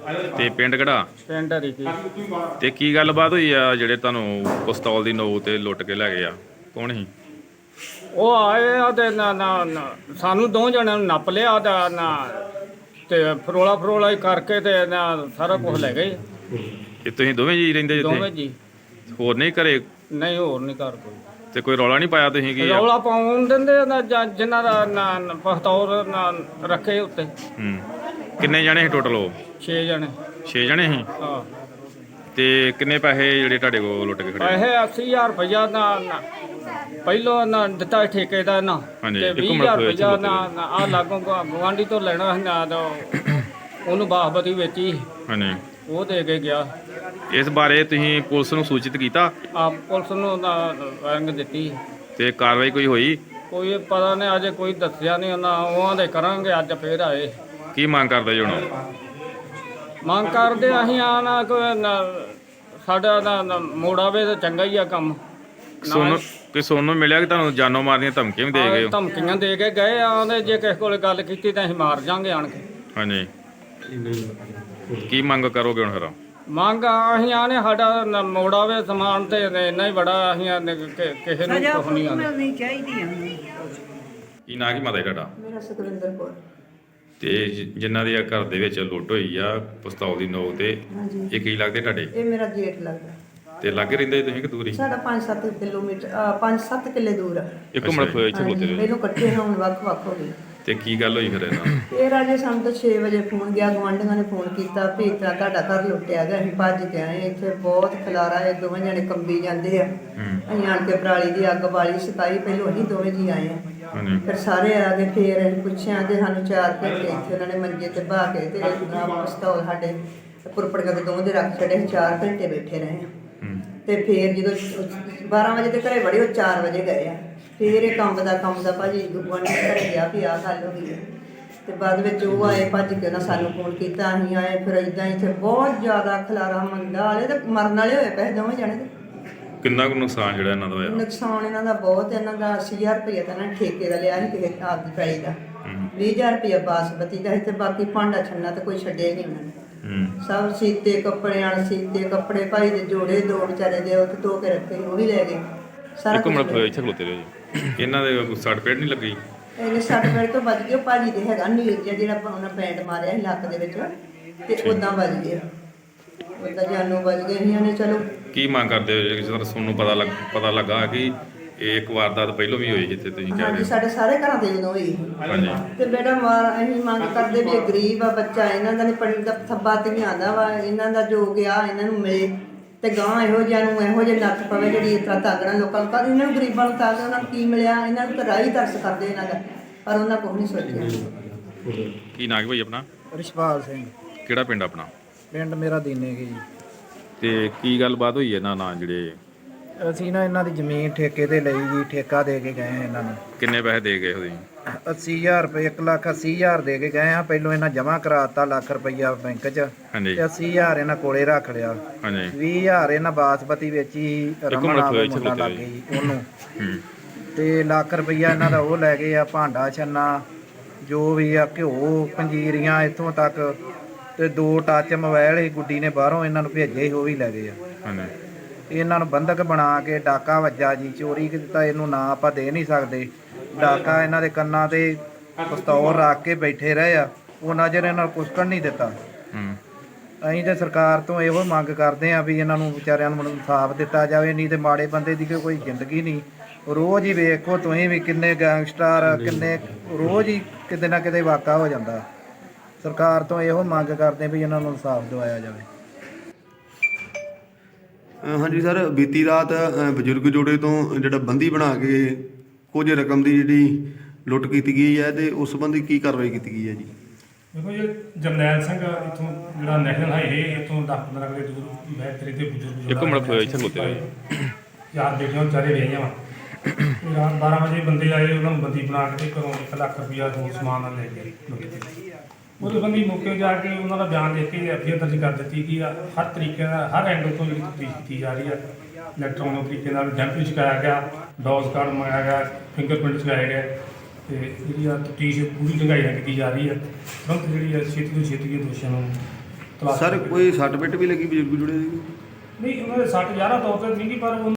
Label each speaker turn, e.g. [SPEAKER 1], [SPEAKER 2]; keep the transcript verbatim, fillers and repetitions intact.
[SPEAKER 1] ਤੇ ਪਿੰਡ ਕਿਹੜਾ?
[SPEAKER 2] ਪਿੰਡ ਹਰੀਕੀ।
[SPEAKER 1] ਤੇ ਕੀ ਗੱਲਬਾਤ ਹੋਈ ਆ ਜਿਹੜੇ ਤੁਹਾਨੂੰ ਪਿਸਤੌਲ ਦੀ ਨੋਕ ਤੇ ਲੁੱਟ ਕੇ ਲੈ ਗਏ ਆ? ਕੌਣ ਸੀ?
[SPEAKER 2] ਉਹ ਆਏ ਆ ਤੇ ਨਾ ਨਾ ਨਾ ਸਾਨੂੰ ਦੋ ਜਣਿਆਂ ਨੂੰ ਨੱਪ ਲਿਆ ਤੇ ਨਾ ਤੇ ਫਰੋਲਾ ਫਰੋਲਾ ਹੀ ਕਰਕੇ ਤੇ ਨਾ ਸਾਰਾ ਕੁਝ ਲੈ ਗਏ।
[SPEAKER 1] ਇਹ ਤੁਸੀਂ ਦੋਵੇਂ ਜੀ ਰਹਿੰਦੇ
[SPEAKER 2] ਦੋਵੇਂ
[SPEAKER 1] ਜਿੱਥੇ?
[SPEAKER 2] ਜੀ।
[SPEAKER 1] ਹੋਰ ਨਹੀਂ ਘਰੇ?
[SPEAKER 2] ਨਹੀਂ ਹੋਰ ਨਹੀਂ ਘਰ ਕੋਈ।
[SPEAKER 1] ਤੇ ਕੋਈ ਰੌਲਾ ਨਹੀਂ ਪਾਇਆ ਤੁਸੀਂ ਕੀ?
[SPEAKER 2] ਰੌਲਾ ਪਾਉਣ ਦਿੰਦੇ ਨਾ ਜਾਂ ਜਿਨ੍ਹਾਂ ਦਾ ਨਾ ਪਿਸਤੌਲ ਨਾ ਰੱਖੇ ਉੱਤੇ।
[SPEAKER 1] ਹੂੰ। ਕਿੰਨੇ ਜਣੇ ਸੀ ਟੋਟਲ? ਉਹ
[SPEAKER 2] ਛੇ ਜਣੇ।
[SPEAKER 1] ਛੇ ਜਣੇ ਸੀ?
[SPEAKER 2] ਹਾਂ।
[SPEAKER 1] ਤੇ ਕਿੰਨੇ ਪੈਸੇ ਜਿਹੜੇ ਤੁਹਾਡੇ ਕੋਲ ਲੁੱਟ ਕੇ ਖੜੇ?
[SPEAKER 2] ਪੈਸੇ ਅੱਸੀ ਹਜ਼ਾਰ ਰੁਪਇਆ ਨਾ ਨਾ ਪਹਿਲੋਂ ਨਾ ਦਿੱਤਾ ਠੇਕੇ ਦਾ ਨਾ ਤੇ ਵੀਹ ਹਜ਼ਾਰ ਰੁਪਇਆ ਨਾ ਆ ਲਾਗੋਂ ਗਵਾਂਢੀ ਤੋਂ ਲੈਣਾ ਸੀ ਨਾ ਉਹਨੂੰ ਬਾਸਪਤੀ ਵੇਚੀ।
[SPEAKER 1] ਹਾਂਜੀ।
[SPEAKER 2] ਉਹ ਦੇ ਕੇ ਗਿਆ।
[SPEAKER 1] ਇਸ ਬਾਰੇ ਤੁਸੀਂ ਪੁਲਿਸ ਨੂੰ ਸੂਚਿਤ ਕੀਤਾ?
[SPEAKER 2] ਆ ਪੁਲਿਸ ਨੂੰ ਰੰਗ ਦਿੱਤੀ।
[SPEAKER 1] ਤੇ ਕਾਰਵਾਈ ਕੋਈ ਹੋਈ?
[SPEAKER 2] ਕੋਈ ਪਤਾ ਨਹੀਂ, ਅਜੇ ਕੋਈ ਦੱਸਿਆ ਨਹੀਂ ਉਹਨਾਂ। ਉਹਾਂ ਦੇ ਕਰਾਂਗੇ, ਅੱਜ ਫੇਰ ਆਏ।
[SPEAKER 1] ਕੀ ਮੰਗ ਕਰਦੇ ਜੀ ਹੁਣ?
[SPEAKER 2] ਮੰਗ ਕਰਦੇ ਅਸੀਂ ਆ ਨਾ ਕੋਈ ਸਾਡਾ ਨਾ ਮੋੜਾਵੇ ਤਾਂ ਚੰਗਾ ਹੀ ਆ ਕੰਮ।
[SPEAKER 1] ਸੋਨੂੰ ਕਿ ਸੋਨੂੰ ਮਿਲਿਆ ਕਿ ਤੁਹਾਨੂੰ ਜਾਨੋਂ ਮਾਰਨੀਆਂ ਧਮਕੀਆਂ ਵੀ ਦੇ ਗਏ?
[SPEAKER 2] ਧਮਕੀਆਂ ਦੇ ਕੇ ਗਏ ਆਂਦੇ ਜੇ ਕਿਸੇ ਕੋਲ ਗੱਲ ਕੀਤੀ ਤਾਂ ਅਸੀਂ ਮਾਰ ਜਾਾਂਗੇ ਆਣ ਕੇ।
[SPEAKER 1] ਹਾਂਜੀ। ਕੀ ਮੰਗ ਕਰੋਗੇ ਹੁਣ ਫਿਰ?
[SPEAKER 2] ਮੰਗ ਅਸੀਂ ਆਨੇ ਸਾਡਾ ਮੋੜਾਵੇ ਸਮਾਨ ਤੇ ਇੰਨਾ ਹੀ ਬੜਾ। ਅਸੀਂ ਕਿਸੇ ਨੂੰ ਕੁਝ ਨਹੀਂ ਆਉਂਦੇ
[SPEAKER 3] ਚਾਹੀਦੀ ਆ।
[SPEAKER 1] ਕੀ ਨਾਂ ਕੀ ਮਾਤਾ ਤੁਹਾਡਾ?
[SPEAKER 3] ਮੇਰਾ ਸੁਖਵਿੰਦਰ ਕੌਰ।
[SPEAKER 1] ਤੇ ਜਿਨ੍ਹਾਂ ਦੇ ਘਰ ਦੇ ਵਿੱਚ ਲੁੱਟ ਹੋਈ ਆ ਪਿਸਤੌਲ ਦੀ ਨੋਕ ਤੇ, ਇਹ ਕੀ ਲੱਗਦੇ ਤੁਹਾਡੇ?
[SPEAKER 3] ਇਹ ਮੇਰਾ ਜੇਠ ਲੱਗਦਾ।
[SPEAKER 1] ਤੇ ਲਾਗੇ ਰਹਿੰਦੇ ਤੁਸੀਂ ਕਿ ਦੂਰ ਹੀ?
[SPEAKER 3] ਸਾਡਾ ਪੰਜ ਸੱਤ ਕਿਲੋਮੀਟਰ ਪੰਜ ਸੱਤ ਕਿੱਲੇ ਦੂਰ ਆ।
[SPEAKER 1] ਇੱਕ ਮਿੰਟ ਹੋਇਆ ਇੱਥੇ ਬੋਤੇ।
[SPEAKER 3] ਪਹਿਲੋਂ ਇਕੱਠੇ ਹੁਣ ਵੱਖ ਵੱਖ ਹੋ ਗਏ।
[SPEAKER 1] ਤੇ ਕੀ ਗੱਲ ਹੋਈ ਫਿਰ ਇਹਨਾਂ?
[SPEAKER 3] ਇਹ ਰਾਜੇ ਸਾਨੂੰ ਤਾਂ ਛੇ ਵਜੇ ਫੋਨ ਗਿਆ, ਗੁਆਂਢੀਆਂ ਨੇ ਫੋਨ ਕੀਤਾ ਵੀ ਇਸ ਤਰ੍ਹਾਂ ਤੁਹਾਡਾ ਘਰ ਲੁੱਟਿਆ ਗਿਆ। ਅਸੀਂ ਭੱਜ ਕੇ ਆਏ। ਇੱਥੇ ਬਹੁਤ ਖਲਾਰਾ ਹੈ, ਦੋਵੇਂ ਜਣੇ ਕੰਬੀ ਜਾਂਦੇ ਆ। ਅਸੀਂ ਆਣ ਕੇ ਪਰਾਲੀ ਦੀ ਅੱਗ ਬਾਲੀ ਸਕਾਈ। ਪਹਿਲੋਂ ਅਸੀਂ ਦੋਵੇਂ ਜੀ ਆਏ ਆ। ਫਿਰ ਸਾਰੇ ਆ ਗਏ। ਫਿਰ ਅਸੀਂ ਪੁੱਛਿਆ ਤੇ ਸਾਨੂੰ ਚਾਰ ਘੰਟੇ ਇੱਥੇ ਉਹਨਾਂ ਨੇ ਮੰਜੇ ਤੇ ਬਹਾ ਕੇ ਤੇ ਪਿਸਤੌਲ ਸਾਡੇ ਪੁਰਪੜੀਆਂ ਦੇ ਦੋਵੇਂ ਦੇ ਰੱਖ ਛੱਡੇ। ਚਾਰ ਘੰਟੇ ਬੈਠੇ ਰਹੇ ਆ। ਤੇ ਫਿਰ ਜਦੋਂ ਬਾਰਾਂ ਵਜੇ ਤੇ ਘਰੇ ਵੜੇ, ਉਹ ਚਾਰ ਵਜੇ ਗਏ ਆ। ਫਿਰ ਇਹ ਕੰਮ ਦਾ ਕੰਮ ਦਾ ਭਾਜੀ ਗੁਆਂਢੀ ਘਰੇ ਗਿਆ ਵੀ ਆਹ ਗੱਲ ਹੋ ਗਈ ਹੈ। ਤੇ ਬਾਅਦ ਵਿੱਚ ਉਹ ਆਏ ਭੱਜ ਕੇ ਉਹਨਾਂ ਸਾਨੂੰ ਫੋਨ ਕੀਤਾ। ਅਸੀਂ ਆਏ। ਫਿਰ ਇੱਦਾਂ ਇੱਥੇ ਬਹੁਤ ਜ਼ਿਆਦਾ ਖਲਾਰਾ ਮੰਦਾ ਵਾਲੇ ਤੇ ਮਰਨ ਵਾਲੇ ਹੋਏ ਪਏ ਦੋਵੇਂ ਜਾਣੇ।
[SPEAKER 1] ਕਿੰਨਾ ਕੁ ਨੁਕਸਾਨ ਜਿਹੜਾ ਇਹਨਾਂ ਦਾ ਹੋਇਆ?
[SPEAKER 3] ਨੁਕਸਾਨ ਇਹਨਾਂ ਦਾ ਬਹੁਤ। ਇਹਨਾਂ ਦਾ ਅੱਸੀ ਹਜ਼ਾਰ ਰੁਪਇਆ ਤਾਂ ਇਹਨਾਂ ਨੇ ਠੇਕੇ ਦਾ ਲਿਆ ਸੀ ਕਿਸੇ ਆਪ ਦੀ ਪੈਲੀ ਦਾ। ਵੀਹ ਹਜ਼ਾਰ ਰੁਪਇਆ ਬਾਸਮਤੀ ਦਾ ਸੀ ਤੇ ਬਾਕੀ ਭਾਂਡਾ ਛੰਨਾ ਤੇ ਕੋਈ ਛੱਡਿਆ ਹੀ ਨਹੀਂ ਉਹਨਾਂ ਨੇ। ਸਭ ਸੀਤੇ ਕੱਪੜੇ ਆਣ ਸੀਤੇ ਕੱਪੜੇ ਭਾਈ ਦੇ ਜੋੜੇ ਦੋ ਵਿਚਾਰੇ ਦੇ ਉੱਥੇ ਧੋ ਕੇ ਰੱਖੇ, ਉਹ ਵੀ ਲੈ ਗਏ ਸਾਰਾ।
[SPEAKER 1] ਇੱਕ ਮਿੰਟ ਇੱਥੇ ਖਲੋਤੇ ਰਹੋ ਜੀ। ਇਹਨਾਂ ਦੇ ਸੱਟ ਪੇਟ ਨਹੀਂ ਲੱਗੀ?
[SPEAKER 3] ਇਹਨੇ ਸੱਟ ਪੇਟ ਤੋਂ ਬਚ ਗਏ। ਭਾਜੀ ਦੇ ਹੈਗਾ ਨੀਲ ਜਿਹਾ ਜਿਹੜਾ ਉਹਨਾਂ ਬੈਂਡ ਮਾਰਿਆ ਸੀ ਲੱਕ ਦੇ ਵਿੱਚ, ਤੇ ਉਦਾਂ ਬਚ ਗਏ। ਉਦਾਂ ਜਾਨੋਂ ਬਚ ਗਏ ਸੀ ਨੇ। ਚਲੋ
[SPEAKER 1] ਕੀ ਮੰਗ ਕਰਦੇ ਹੋ ਜਿਸ ਤਰ੍ਹਾਂ ਤੁਹਾਨੂੰ ਪਤਾ ਲੱਗ ਪਤਾ ਲੱਗਾ ਕਿ ਇਹ ਇੱਕ ਵਾਰਦਾਤ ਪਹਿਲਾਂ ਵੀ ਹੋਈ ਜਿੱਥੇ ਤੁਸੀਂ ਕਹਿ ਰਹੇ
[SPEAKER 3] ਹਾਂਜੀ,
[SPEAKER 1] ਹੋ?
[SPEAKER 3] ਸਾਡੇ ਸਾਰੇ ਘਰਾਂ ਦੇ ਜਦੋਂ ਹੋਈ।
[SPEAKER 1] ਹਾਂਜੀ।
[SPEAKER 3] ਤੇ ਬੇਟਾ ਮਾਰ ਅਸੀਂ ਮੰਗ ਕਰਦੇ ਵੀ ਇਹ ਗਰੀਬ ਆ ਬੱਚਾ, ਇਹਨਾਂ ਦਾ ਨਹੀਂ ਪੜ੍ਹਨ ਦਾ ਥੱਬਾ ਤੇ ਆਉਂਦਾ ਵਾ। ਇਹਨਾਂ ਦਾ ਜੋ ਗਿਆ ਇਹਨਾਂ ਨੂੰ ਮਿਲੇ ਤੇ ਗਾਂ ਇਹੋ ਜਿਹਾ ਨੂੰ ਇਹੋ ਜਿਹੇ ਨੱਥ ਪਵੇ ਜਿਹੜੀ ਇਸ ਤਰ੍ਹਾਂ ਤਾਗਣਾ ਲੋਕਾਂ ਨੂੰ। ਪਰ ਇਹਨਾਂ ਨੂੰ ਗਰੀਬਾਂ ਨੂੰ ਤਾਗ ਉਹਨਾਂ ਨੂੰ ਕੀ ਮਿਲਿਆ? ਇਹਨਾਂ ਨੂੰ ਤਾਂ ਰਾਹ ਹੀ ਤਰਸ ਕਰਦੇ ਇਹਨਾਂ ਦਾ, ਪਰ ਉਹਨਾਂ ਕੁਛ ਨਹੀਂ ਸੋਚਿਆ।
[SPEAKER 1] ਕੀ ਨਾਂ ਕੀ ਭਾਈ ਆਪਣਾ?
[SPEAKER 2] ਰਿਸ਼ਪਾਲ ਸਿੰਘ।
[SPEAKER 1] ਕਿਹੜਾ ਪਿੰਡ ਆਪਣਾ?
[SPEAKER 2] ਪਿੰਡ ਮੇਰਾ ਦੀਨੇ ਜੀ।
[SPEAKER 1] ਤੇ ਕੀ ਗੱਲਬਾਤ ਹੋਈ ਇਹਨਾਂ ਨਾਲ ਜਿਹੜੇ?
[SPEAKER 2] ਅਸੀਂ ਨਾ ਇਹਨਾਂ ਦੀ ਜ਼ਮੀਨ ਠੇਕੇ ਤੇ ਲਈ ਜੀ, ਠੇਕਾ ਦੇ ਕੇ ਗਏ ਇਹਨਾਂ ਨੂੰ।
[SPEAKER 1] ਕਿੰਨੇ ਪੈਸੇ ਦੇ ਗਏ ਤੁਸੀਂ?
[SPEAKER 2] ਅੱਸੀ ਹਜ਼ਾਰ ਰੁਪਏ, ਇੱਕ ਲੱਖ ਅੱਸੀ ਹਜ਼ਾਰ ਦੇ ਕੇ ਗਏ ਆ। ਪਹਿਲੋਂ ਇਹਨਾਂ ਜਮ੍ਹਾਂ ਕਰਾਤਾ ਲੱਖ ਰੁਪਈਆ ਬੈਂਕ 'ਚ।
[SPEAKER 1] ਹਾਂਜੀ।
[SPEAKER 2] ਤੇ ਅੱਸੀ ਹਜ਼ਾਰ ਇਹਨਾਂ ਕੋਲੇ ਰੱਖ ਲਿਆ।
[SPEAKER 1] ਹਾਂਜੀ।
[SPEAKER 2] ਵੀਹ ਹਜ਼ਾਰ ਇਹਨਾਂ ਬਾਸਪਤੀ ਵੇਚੀ, ਰਮਨ ਨਾਮ ਦਾ ਮੁੰਡਾ ਲੱਗ ਗਈ ਉਹਨੂੰ। ਤੇ ਲੱਖ ਰੁਪਈਆ ਇਹਨਾਂ ਦਾ ਉਹ ਲੈ ਗਏ ਆ। ਭਾਂਡਾ ਛੰਨਾ ਜੋ ਵੀ ਆ, ਘਿਓ ਪੰਜੀਰੀਆਂ ਇੱਥੋਂ ਤੱਕ। ਤੇ ਦੋ ਟੱਚ ਮੋਬਾਈਲ ਸੀ ਗੁੱਡੀ ਨੇ ਬਾਹਰੋਂ ਇਹਨਾਂ ਨੂੰ ਭੇਜੇ ਸੀ, ਉਹ ਵੀ ਲੈ ਗਏ ਆ।
[SPEAKER 1] ਹਾਂਜੀ।
[SPEAKER 2] ਇਹਨਾਂ ਨੂੰ ਬੰਧਕ ਬਣਾ ਕੇ ਡਾਕਾ ਵੱਜਾ ਜੀ। ਚੋਰੀ ਕੀਤਾ ਇਹਨੂੰ ਨਾ ਆਪਾਂ ਦੇ ਨਹੀਂ ਸਕਦੇ। ਡਾਕਾ ਇਹਨਾਂ ਦੇ ਕੰਨਾਂ ਤੇ ਪਿਸਤੌਲ ਰੱਖ ਕੇ ਬੈਠੇ ਰਹੇ ਆ। ਉਹ ਨਜ਼ਰ ਇਹਨਾਂ ਨੂੰ ਕੁਸਕਣ ਨਹੀਂ ਦਿੱਤਾ। ਅਸੀਂ ਤੇ ਸਰਕਾਰ ਤੋਂ ਇਹੋ ਮੰਗ ਕਰਦੇ ਆ ਵੀ ਇਹਨਾਂ ਨੂੰ ਵਿਚਾਰਿਆਂ ਨੂੰ ਇਨਸਾਫ ਦਿੱਤਾ ਜਾਵੇ, ਨਹੀਂ ਤੇ ਮਾੜੇ ਬੰਦੇ ਦੀ ਕੋਈ ਜ਼ਿੰਦਗੀ ਨਹੀਂ। ਰੋਜ਼ ਹੀ ਵੇਖੋ ਤੁਸੀਂ ਵੀ ਕਿੰਨੇ ਗੈਂਗਸਟਰ, ਕਿੰਨੇ ਰੋਜ਼ ਹੀ ਕਿਤੇ ਨਾ ਕਿਤੇ ਵਾਕਾ ਹੋ ਜਾਂਦਾ। ਸਰਕਾਰ ਤੋਂ ਇਹੋ ਮੰਗ ਕਰਦੇ ਵੀ ਇਹਨਾਂ ਨੂੰ ਇਨਸਾਫ ਦਿਵਾਇਆ ਜਾਵੇ।
[SPEAKER 4] ਹਾਂਜੀ ਸਰ, ਬੀਤੀ ਰਾਤ ਬਜ਼ੁਰਗ ਜੋੜੇ ਤੋਂ ਜਿਹੜਾ ਬੰਦੀ ਬਣਾ ਕੇ ਕੁਝ ਰਕਮ ਦੀ ਜਿਹੜੀ ਲੁੱਟ ਕੀਤੀ ਗਈ ਹੈ ਤੇ ਉਸ ਸੰਬੰਧੀ ਕੀ ਕਾਰਵਾਈ ਕੀਤੀ ਗਈ ਹੈ ਜੀ?
[SPEAKER 5] ਦੇਖੋ ਜੀ, ਜਰਨੈਲ ਸਿੰਘ ਇੱਥੋਂ ਜਿਹੜਾ ਨੈਸ਼ਨਲ ਹਾਈਵੇ ਇੱਥੋਂ ਦਸ ਪੰਦਰਾਂ ਕਿਲੇ ਦੂਰ ਬੈਠੇ ਤੇ ਬਜ਼ੁਰਗ
[SPEAKER 1] ਇੱਕ ਮਿੰਟ ਹੋਇਆ ਇੱਥੇ ਖਲੋਤੇ ਰਹੋ।
[SPEAKER 5] ਯਾਰ ਬੇਟੀਆਂ ਵਿਚਾਰੇ ਵੇਹੀਆਂ ਵਾ। ਰਾਤ ਬਾਰਾਂ ਵਜੇ ਬੰਦੇ ਆਏ, ਉਹਨਾਂ ਨੂੰ ਬੰਦੀ ਬਣਾ ਕੇ ਘਰੋਂ ਇੱਕ ਲੱਖ ਰੁਪਈਆ ਹੋਰ ਸਮਾਨ ਨਾਲ ਲੈ ਕੇ ਲੁੱਟ ਕੇ। ਉਹਦੇ ਬੰਦੀ ਮੌਕੇ ਜਾ ਕੇ ਉਹਨਾਂ ਦਾ ਬਿਆਨ ਦੇ ਕੇ ਐਫ ਆਈ ਆਰ ਦਰਜ ਕਰ ਦਿੱਤੀ ਕਿ ਹਰ ਤਰੀਕੇ ਨਾਲ ਹਰ ਐਂਗਲ ਤੋਂ ਜਿਹੜੀ ਤਫਤੀਸ਼ ਕੀਤੀ ਜਾ ਰਹੀ ਹੈ। ਇਲੈਕਟ੍ਰੋਨਿਕ ਤਰੀਕੇ ਨਾਲ ਡੈਂਪ ਚੁਕਾਇਆ ਗਿਆ, ਡੋਜ਼ ਕਾਰਡ ਮੰਗਾਇਆ ਗਿਆ, ਫਿੰਗਰਪ੍ਰਿੰਟ ਚੁਕਾਏ ਗਏ ਤੇ ਜਿਹੜੀ ਆ ਤਫਤੀਸ਼ ਪੂਰੀ ਢੰਗਾਈ ਨਾਲ ਕੀਤੀ ਜਾ ਰਹੀ ਹੈ। ਤੁਰੰਤ ਜਿਹੜੀ ਹੈ ਛੇਤੀ ਤੋਂ ਛੇਤੀ ਦੋਸ਼ੀਆਂ ਨੂੰ ਤਲਾਸ਼
[SPEAKER 4] ਸਰ
[SPEAKER 5] ਕਰਕੇ।
[SPEAKER 4] ਕੋਈ ਸੱਟ ਪਿੱਟ ਵੀ ਲੱਗੀ ਬਜ਼ੁਰਗ ਜੁੜੇ ਦੀ?
[SPEAKER 5] ਨਹੀਂ ਉਹਨਾਂ ਦੇ ਸੱਟ ਜ਼ਿਆਦਾ ਤੌਰ ਤੇ ਨਹੀਂ ਗੀ, ਪਰ ਉਹ